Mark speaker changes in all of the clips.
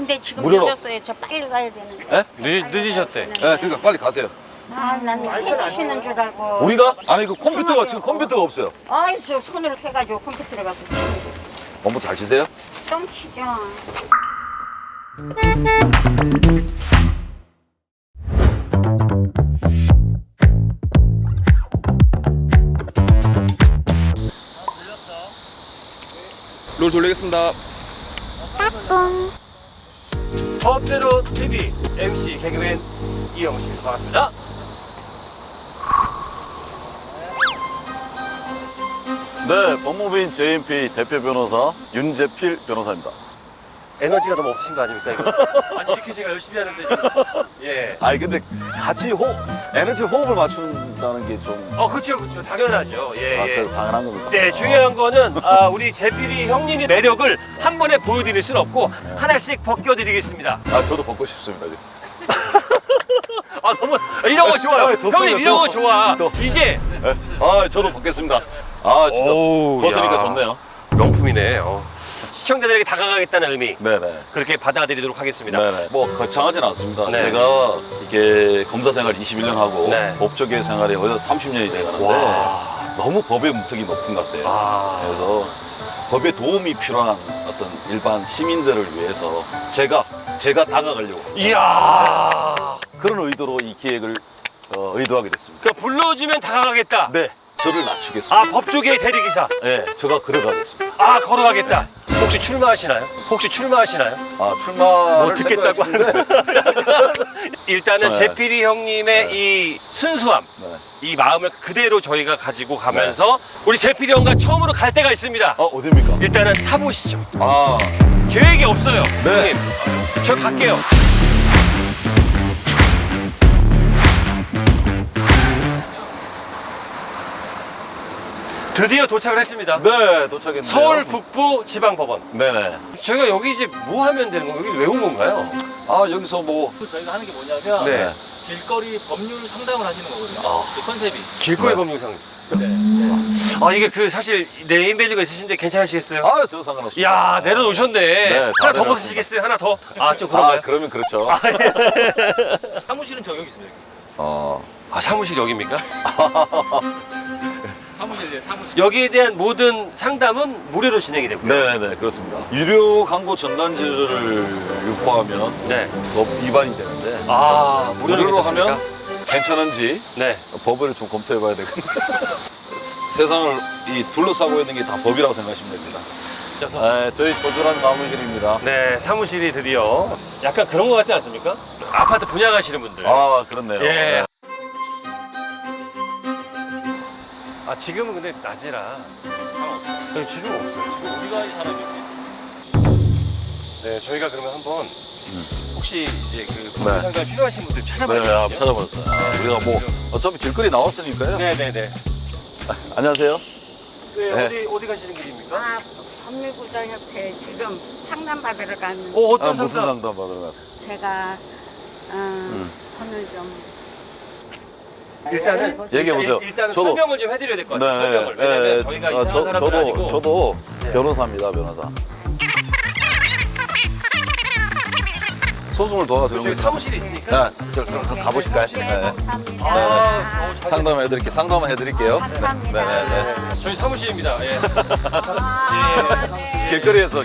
Speaker 1: 근데 지금
Speaker 2: 무료로.
Speaker 1: 늦었어요. 저 빨리 가야 되는데.
Speaker 2: 예?
Speaker 3: 늦으셨대.
Speaker 2: 예, 그러니까 빨리 가세요.
Speaker 1: 아, 난 해주시는 줄 알고.
Speaker 2: 우리가? 아니, 그 컴퓨터가, 지금 컴퓨터가 없어요.
Speaker 1: 아이, 저 손으로 해가지고 컴퓨터를 가서
Speaker 2: 업무 잘 치세요?
Speaker 1: 좀 치죠.
Speaker 4: 롤 돌리겠습니다.
Speaker 3: 법대로 TV MC 개그맨 이영식 반갑습니다.
Speaker 2: 네, 법무부인 JMP 대표 변호사 윤재필 변호사입니다.
Speaker 3: 에너지가 너무 없으신 거 아닙니까 이거? 아니 이렇게 제가 열심히 하는데 지금. 예.
Speaker 2: 아니, 근데 같이 에너지 호흡을 맞춘다는 게 좀.
Speaker 3: 그렇죠, 그렇죠, 당연하죠. 예, 예.
Speaker 2: 그래도 당연한 겁니다.
Speaker 3: 네, 중요한 거는 우리 재필이 형님의 매력을 한 번에 보여드릴 수는 없고 하나씩 벗겨드리겠습니다.
Speaker 2: 아, 저도 벗고 싶습니다, 지금.
Speaker 3: 너무 이런 거 좋아요.
Speaker 2: 아, 더
Speaker 3: 형님
Speaker 2: 써요,
Speaker 3: 이런 거
Speaker 2: 더.
Speaker 3: 좋아.
Speaker 2: 더.
Speaker 3: 이제
Speaker 2: 예? 아, 저도 벗겠습니다. 아, 진짜.
Speaker 3: 오우,
Speaker 2: 벗으니까
Speaker 3: 야.
Speaker 2: 좋네요.
Speaker 3: 명품이네. 시청자들에게 다가가겠다는 의미
Speaker 2: 네네.
Speaker 3: 그렇게 받아들이도록 하겠습니다.
Speaker 2: 네네. 뭐, 거창하진 않습니다.
Speaker 3: 네.
Speaker 2: 제가 이렇게 검사 생활 21년 하고
Speaker 3: 네.
Speaker 2: 법조계 생활이 거의 30년이 돼가는데
Speaker 3: 와.
Speaker 2: 너무 법의 문턱이 높은 것 같아요.
Speaker 3: 아.
Speaker 2: 그래서 법에 도움이 필요한 어떤 일반 시민들을 위해서 제가 다가가려고
Speaker 3: 이야.
Speaker 2: 그런 의도로 이 기획을 의도하게 됐습니다.
Speaker 3: 그러니까 불러주면 다가가겠다.
Speaker 2: 네, 저를 낮추겠습니다.
Speaker 3: 법조계의 대리기사.
Speaker 2: 네, 제가 걸어가겠습니다.
Speaker 3: 걸어가겠다. 혹시 출마하시나요?
Speaker 2: 출마를
Speaker 3: 듣겠다고
Speaker 2: 생각했는데
Speaker 3: 일단은
Speaker 2: 네.
Speaker 3: 재필이 형님의 이 순수함,
Speaker 2: 네.
Speaker 3: 이 마음을 그대로 저희가 가지고 가면서 우리 재필이 형과 처음으로 갈 데가 있습니다.
Speaker 2: 어디입니까?
Speaker 3: 일단은 타보시죠.
Speaker 2: 아,
Speaker 3: 계획이 없어요.
Speaker 2: 네.
Speaker 3: 형님, 저 갈게요. 드디어 도착을 했습니다.
Speaker 2: 네, 도착했네요.
Speaker 3: 서울 북부 지방법원.
Speaker 2: 네네.
Speaker 3: 저희가 여기 이제 뭐 하면 되는 거예요? 여기 왜 온 건가요?
Speaker 2: 아, 여기서 뭐
Speaker 5: 저희가 하는 게 뭐냐면
Speaker 3: 네.
Speaker 5: 길거리 법률 상담을 하시는 거거든요. 그 컨셉이.
Speaker 3: 길거리
Speaker 2: 네.
Speaker 3: 법률상.
Speaker 5: 네.
Speaker 3: 이게 그 사실 네임밸류가 있으신데 괜찮으시겠어요?
Speaker 2: 아, 저 상관없어요.
Speaker 3: 이야, 내려놓으셨네.
Speaker 2: 네,
Speaker 3: 하나
Speaker 2: 다
Speaker 3: 더 벗으시겠어요? 하나 더? 좀 그런가요?
Speaker 2: 그러면 그렇죠.
Speaker 5: 사무실은 저 여기 있습니다. 여기.
Speaker 3: 사무실 여기입니까?
Speaker 5: 사무실.
Speaker 3: 여기에 대한 모든 상담은 무료로 진행이 되고요.
Speaker 2: 네네, 그렇습니다. 유료 광고 전단지를 유포하면
Speaker 3: 네.
Speaker 2: 법 위반이 되는데
Speaker 3: 무료로
Speaker 2: 무료로
Speaker 3: 괜찮습니까?
Speaker 2: 하면 괜찮은지
Speaker 3: 네.
Speaker 2: 법을 좀 검토해봐야 되거든요. 세상을 둘러싸고 있는 게 다 법이라고 생각하시면 됩니다. 네, 저희 조촐한 사무실입니다.
Speaker 3: 네, 사무실이 드디어 약간 그런 거 같지 않습니까? 아파트 분양하시는 분들.
Speaker 2: 아, 그렇네요.
Speaker 3: 예.
Speaker 2: 네.
Speaker 3: 지금은 근데 낮이라 지금 없어요. 지금
Speaker 5: 우리가 이 사람이
Speaker 3: 네, 저희가 그러면 한번 혹시 이제 그
Speaker 2: 네.
Speaker 3: 상담 필요하신 분들
Speaker 2: 네,
Speaker 3: 찾아봐주세요.
Speaker 2: 한번 찾아보셨어요. 우리가 뭐 어차피 길거리 나왔으니까요.
Speaker 3: 네네네.
Speaker 2: 안녕하세요.
Speaker 3: 네,
Speaker 2: 네.
Speaker 3: 어디 가시는 길입니까?
Speaker 1: 법률구조협회 지금 상담받으러 가는
Speaker 3: 어떤
Speaker 2: 무슨
Speaker 3: 상담?
Speaker 2: 상담 받으러 가세요?
Speaker 1: 제가 돈을 좀
Speaker 3: 일단은
Speaker 2: 얘기해보세요.
Speaker 3: 일단은
Speaker 2: 저도-
Speaker 3: 설명을 좀 해드려야 될 것 같아요. 설명을. 왜냐면 저희가 이상한 사람들 아니고.
Speaker 2: 저도 변호사입니다, 변호사. 소송을 도와드리는
Speaker 3: 저희
Speaker 2: 거죠.
Speaker 3: 사무실이 있으니까.
Speaker 2: 네, 저 가보실까요? 네.
Speaker 1: 감사합니다.
Speaker 2: 상담을 해드릴게요. 상담을 해드릴게요.
Speaker 1: 감사합니다.
Speaker 2: 네네네.
Speaker 3: 저희 사무실입니다. 예.
Speaker 2: 길거리에서.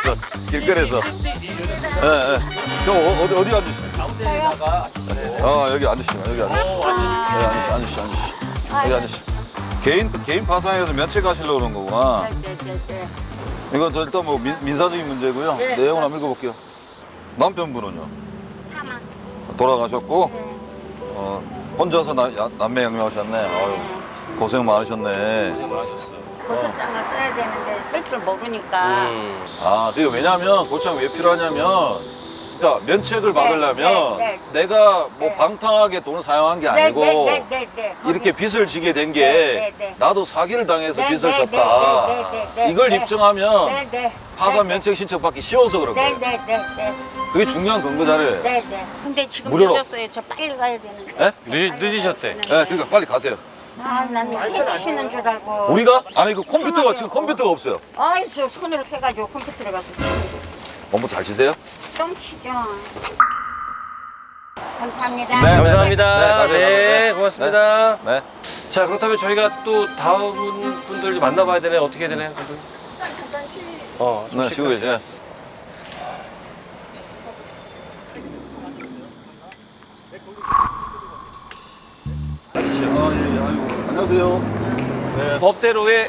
Speaker 2: 네, 네. 형 어디 앉으시죠? 여기 앉으시면 여기 앉으시죠. 앉으시죠. 여기 앉으시죠. 개인 파산해서 면책 하시려고 그런 거구나.
Speaker 1: 네.
Speaker 2: 이건 저 일단 뭐 민사적인 문제고요.
Speaker 1: 네.
Speaker 2: 내용을 한번 읽어볼게요. 남편분은요?
Speaker 1: 사망.
Speaker 2: 돌아가셨고
Speaker 1: 네.
Speaker 2: 혼자서 남매 양육하셨네. 아유, 고생 많으셨네.
Speaker 1: 고소장을 써야 되는데 쓸 줄 모르니까
Speaker 2: 그게 왜냐면 고소장 왜 필요하냐면 그러니까 면책을 받으려면
Speaker 1: 네.
Speaker 2: 내가 뭐
Speaker 1: 네.
Speaker 2: 방탕하게 돈을 사용한 게 아니고
Speaker 1: 네.
Speaker 2: 이렇게 빚을 지게 된 게
Speaker 1: 네.
Speaker 2: 나도 사기를 당해서
Speaker 1: 네,
Speaker 2: 빚을
Speaker 1: 네,
Speaker 2: 졌다.
Speaker 1: 네.
Speaker 2: 이걸
Speaker 1: 네.
Speaker 2: 입증하면
Speaker 1: 네.
Speaker 2: 파산 면책 신청 받기 쉬워서 그런 거예요.
Speaker 1: 네.
Speaker 2: 그게 중요한 근거 자료예요.
Speaker 1: 네. 근데 지금
Speaker 2: 무료로.
Speaker 1: 늦었어요. 저 빨리 가야 되는데.
Speaker 2: 네?
Speaker 3: 늦으셨대.
Speaker 2: 네, 그러니까 빨리 가세요.
Speaker 1: 난 해주시는 줄 알고.
Speaker 2: 우리가? 아니, 그 컴퓨터가 지금 컴퓨터가 없어요.
Speaker 1: 아이, 저 손으로 해가지고 컴퓨터를 가서
Speaker 2: 공부 잘 치세요?
Speaker 1: 좀 치죠. 감사합니다.
Speaker 2: 네.
Speaker 3: 감사합니다.
Speaker 2: 네,
Speaker 3: 네, 고맙습니다.
Speaker 2: 네.
Speaker 3: 자, 그렇다면 저희가 또 다음 분들 좀 만나봐야 되네. 어떻게 해야 되나요?
Speaker 2: 네, 쉬고 계세요. 안녕하세요.
Speaker 3: 법대로의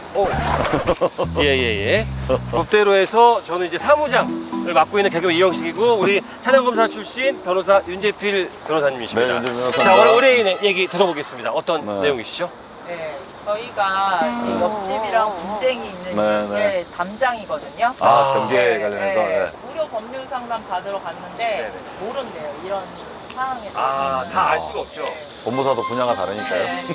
Speaker 3: 예예예. 법대로에서 저는 이제 사무장을 맡고 있는 개그맨 이영식이고 우리 차량검사 출신 변호사 윤재필 변호사님이십니다.
Speaker 2: 네, 윤재필 변호사입니다.
Speaker 3: 자, 오늘 의뢰인의 얘기 들어보겠습니다. 어떤
Speaker 2: 네.
Speaker 3: 내용이시죠?
Speaker 6: 네, 저희가 이 옆집이랑 분쟁이 있는
Speaker 2: 네,
Speaker 6: 게
Speaker 2: 네.
Speaker 6: 담장이거든요.
Speaker 2: 경제
Speaker 6: 네,
Speaker 2: 관련해서.
Speaker 6: 네.
Speaker 2: 네.
Speaker 6: 무료 법률 상담 받으러 갔는데 모른대요. 이런 상황에 대해서.
Speaker 3: 아, 다 알 수가 없죠.
Speaker 2: 법무사도 분야가 다르니까요.
Speaker 6: 네.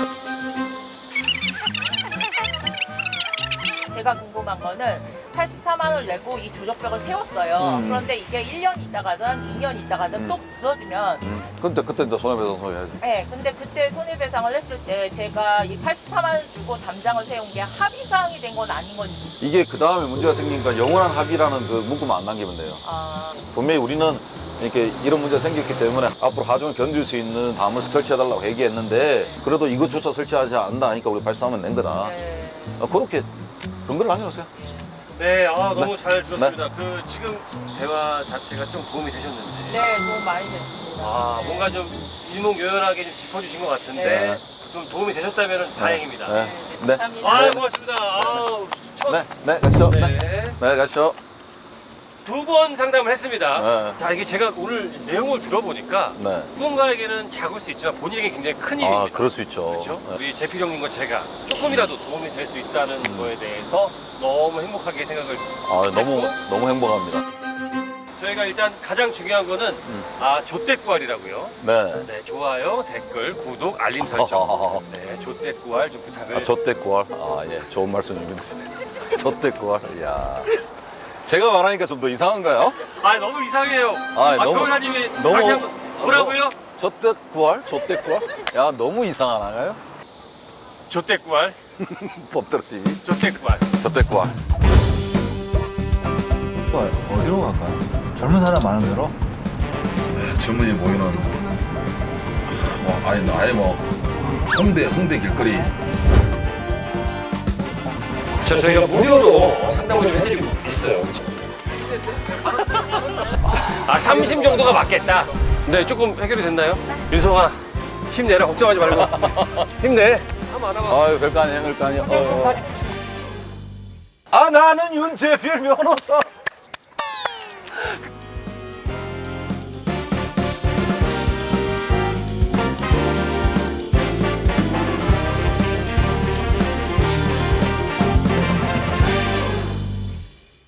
Speaker 6: 제가 궁금한 거는 84만 원을 내고 이 조적벽을 세웠어요. 그런데 이게 1년 있다가든 2년 있다가든 또 부서지면
Speaker 2: 그때 이제 손해배상 소리해야지.
Speaker 6: 네, 근데 그때 손해배상을 했을 때 제가 이 84만 원을 주고 담장을 세운 게 합의사항이 된 건 아닌 건지.
Speaker 2: 이게 그 다음에 문제가 생기니까 영원한 합의라는 그 문구만 안 남기면 돼요.
Speaker 6: 아,
Speaker 2: 분명히 우리는 이렇게 이런 문제가 생겼기 때문에 앞으로 하중을 견딜 수 있는 담을 설치해달라고 얘기했는데 그래도 이것조차 설치하지 않는다 하니까 우리 83은 낸 거다.
Speaker 6: 네.
Speaker 2: 그렇게 근거를 남겨놓으세요.
Speaker 3: 네, 너무 잘 들었습니다. 그 지금 대화 자체가 좀 도움이 되셨는지.
Speaker 6: 네, 도움 많이 됐습니다.
Speaker 3: 뭔가 좀 일목요연하게 좀 짚어주신 것 같은데
Speaker 6: 네.
Speaker 3: 좀 도움이 되셨다면 다행입니다.
Speaker 2: 네. 네.
Speaker 6: 감사합니다.
Speaker 3: 고맙습니다.
Speaker 2: 네, 가시죠.
Speaker 3: 네.
Speaker 2: 네, 가시죠.
Speaker 3: 두 번 상담을 했습니다.
Speaker 2: 네.
Speaker 3: 자, 이게 제가 오늘 내용을 들어보니까
Speaker 2: 네.
Speaker 3: 누군가에게는 작을 수 있지만 본인에게 굉장히 큰 일입니다.
Speaker 2: 그럴 수 있죠.
Speaker 3: 그렇죠?
Speaker 2: 네.
Speaker 3: 우리 재필 형님과 제가 조금이라도 도움이 될 수 있다는 거에 대해서 너무 행복하게 생각을
Speaker 2: 너무 행복합니다.
Speaker 3: 저희가 일단 가장 중요한 거는 조댓구알이라고요.
Speaker 2: 네.
Speaker 3: 네, 좋아요, 댓글, 구독, 알림 설정. 네, 조댓구알 좀 부탁을.
Speaker 2: 좆대꾸알. 예, 좋은 말씀입니다. 좆대꾸알. 이야. 제가 말하니까 좀 더 이상한가요?
Speaker 3: 너무 이상해요.
Speaker 2: 너무-
Speaker 3: 변호사님이
Speaker 2: 너무-
Speaker 3: 다시 한번 뭐라고요?
Speaker 2: 좆대꾸알? 좆대꾸알? 야, 너무 이상하나요?
Speaker 3: 조댓구알,
Speaker 2: 법대로 TV.
Speaker 3: 조댓구알.
Speaker 2: 좆대꾸알.
Speaker 7: 어디로 갈까요? 젊은 사람 많은 데로?
Speaker 2: 젊은이 모이는 아예 홍대 길거리.
Speaker 3: 저희가 무료로 상담을 좀 해드리고 있어요. 30 정도가 맞겠다. 네, 조금 해결이 됐나요? 윤성아, 힘내라. 걱정하지 말고. 힘내. 한번 알아봐.
Speaker 2: 별거 아니에요, 별거 아니에요. 나는 윤재필 변호사.